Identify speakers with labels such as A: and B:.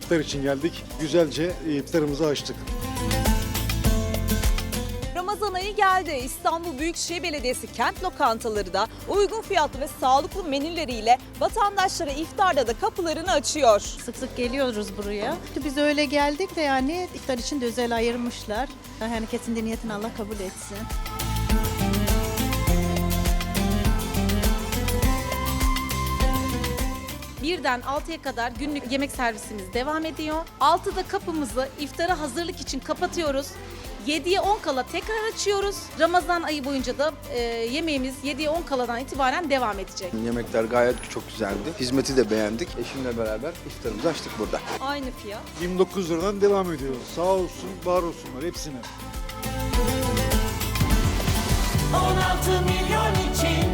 A: iftar için geldik. Güzelce iftarımızı açtık.
B: Ramazan ayı geldi. İstanbul Büyükşehir Belediyesi kent lokantaları da uygun fiyatlı ve sağlıklı menüleriyle vatandaşlara iftarda da kapılarını açıyor.
C: Sık sık geliyoruz buraya. Biz öyle geldik de yani iftar için de özel ayırmışlar. Herkesin de niyetini Allah kabul etsin.
D: Birden 6'ya kadar günlük yemek servisimiz devam ediyor. 6'da kapımızı iftara hazırlık için kapatıyoruz. 7'ye 10 kala tekrar açıyoruz. Ramazan ayı boyunca da yemeğimiz 7'ye 10 kaladan itibaren devam edecek.
E: Yemekler gayet çok güzeldi. Hizmeti de beğendik. Eşimle beraber iftarımızı açtık burada.
B: Aynı fiyat.
A: 29 liradan devam ediyoruz. Sağ olsun, var olsunlar hepsine.
F: 16 milyon için